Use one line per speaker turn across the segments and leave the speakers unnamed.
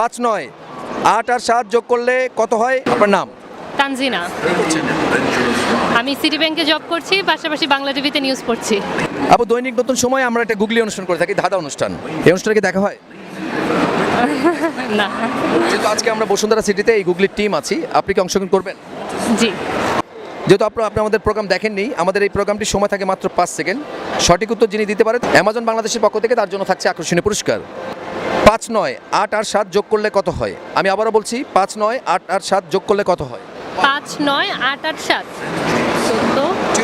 5 9 8 আর 7 যোগ করলে কত হয়? আপনার নাম?
তানজিনা। আমি সিটি ব্যাংকে জব করছি, পাশাপাশি বাংলা টিভিতে নিউজ পড়ছি।
আপু, দৈনিক নতুন সময় আমরা একটা গুগলি অনুষ্ঠান করে থাকি, ধাঁধা অনুষ্ঠান। এই অনুষ্ঠানে কি দেখা হয়?
না।
যেহেতু আজকে আমরা বসুন্ধরা সিটিতে এই গুগলির টিম আছি, আপনি কি অংশগ্রহণ করবেন?
জি।
যেহেতু আপনি আমাদের প্রোগ্রাম দেখেননি, আমাদের এই প্রোগ্রামটির সময় থাকে মাত্র 5 সেকেন্ড। সঠিক উত্তর যিনি দিতে পারেন, অ্যামাজন বাংলাদেশের পক্ষ থেকে তার জন্য থাকছে আকর্ষণীয় পুরস্কার। 5 9 8 আর 7 যোগ করলে কত হয়? আমি আবারও বলছি, 5 9 8 আর 7 যোগ করলে কত হয়?
5 9 8 8 7 14
2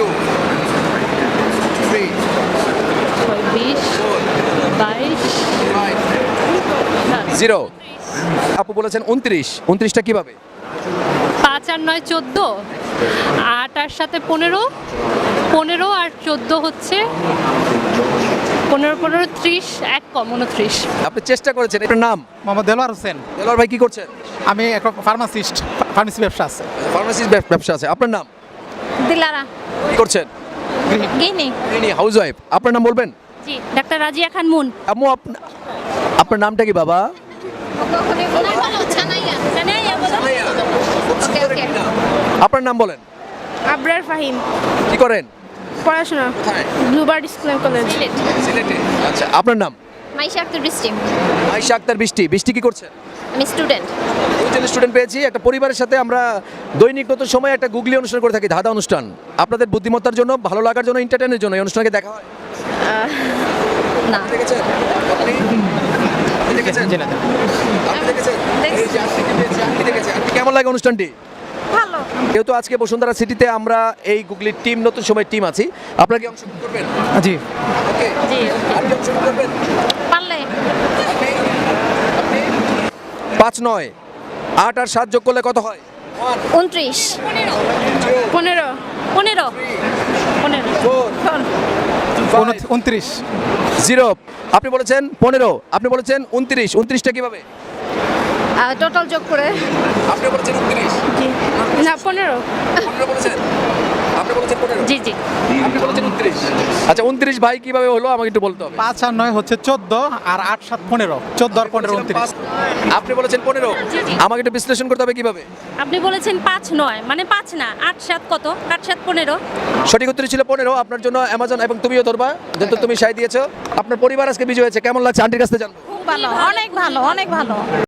3
20 22
0। আপু বলেছেন 29। 29টা কিভাবে?
5 আর 9 14, 8 আর 7 15, 15 আর 14 হচ্ছে 15 15 30, 1 কম 29।
আপনি চেষ্টা করেছেন। এটার নাম?
মোহাম্মদ দেলোয়ার হোসেন।
দেলোয়ার ভাই কি করছেন?
আমি একটা ফার্মাসি ব্যবসা আছে।
ফার্মাসিস্ট ব্যবসা আছে। আপনার নাম?
দিলারা
কি করছেন?
গিনি।
ইনি হাউসওয়াইফ। আপনার নাম বলবেন?
জি, ডাক্তার রাজিয়া খান মুন।
আম্মু, আপনার নামটা কি বাবা? আপনার নাম বলেন।
আবরার ফাহিম।
কি করেন?
পড়াশোনা
কোথায়?
Bluebird school and college.
সিলেটে। আচ্ছা, আপনার নাম?
মাইশা আক্তার বৃষ্টি।
আয়েশা আক্তার বৃষ্টি। বৃষ্টি কি করছেন?
আমি স্টুডেন্ট।
দুজন স্টুডেন্ট পেয়েছি। একটা পরিবারের সাথে আমরা দৈনিক নতুন সময় একটা গুগলি অনুষ্ঠান করে থাকি, ধাঁধা অনুষ্ঠান। আপনাদের বুদ্ধিমত্তার জন্য, ভালো লাগার জন্য, এন্টারটেইনের জন্য এই অনুষ্ঠানকে দেখা হয়।
না।
দেখেছেন? আপনি দেখেছেন?
জি না।
আপনি দেখেছেন?
দেখছি।
এই যে আপনি পেয়েছি, আপনি দেখেছেন। আপনি কেমন লাগে অনুষ্ঠানটি?
ভালো।
যেহেতু আজকে বসুন্ধরা সিটিতে আমরা এই গুগলির টিম, নতুন সময় টিম আছি, আপনারা কি অংশগ্রহণ করবেন?
জি।
ওকে।
জি।
আপনি অংশগ্রহণ করবেন?
পারলে
5 9 8 আর 7 যোগ করলে কত হয়?
29 15
15
29
0। আপনি বলেছেন 15, আপনি বলেছেন 29। 29টা কিভাবে?
টোটাল যোগ করে
আপনি বলেছেন 29।
না 15
15 বলেছেন। আপনি বলেছেন 15।
জি জি।
আপনি বলেছেন 29। আচ্ছা, 29 ভাই কিভাবে হলো আমাকে একটু বলতে হবে।
5 আর 9 হচ্ছে 14 আর 8 7 15। 14 আর 15 29।
আপনি বলেছেন 15। আমাকে একটু বিশ্লেষণ করতে হবে কিভাবে।
আপনি বলেছেন 5 9, মানে 5 না, 8 7 কত? 8 7 15।
সঠিক উত্তর ছিল 15। আপনার জন্য অ্যামাজন, এবং তুমিও ধরবা, যেহেতু তুমি সাই দিয়েছো। আপনার পরিবার আজকে বিজয় হয়েছে, কেমন লাগছে আন্টির কাছে জানবো।
খুব ভালো, অনেক ভালো, অনেক ভালো।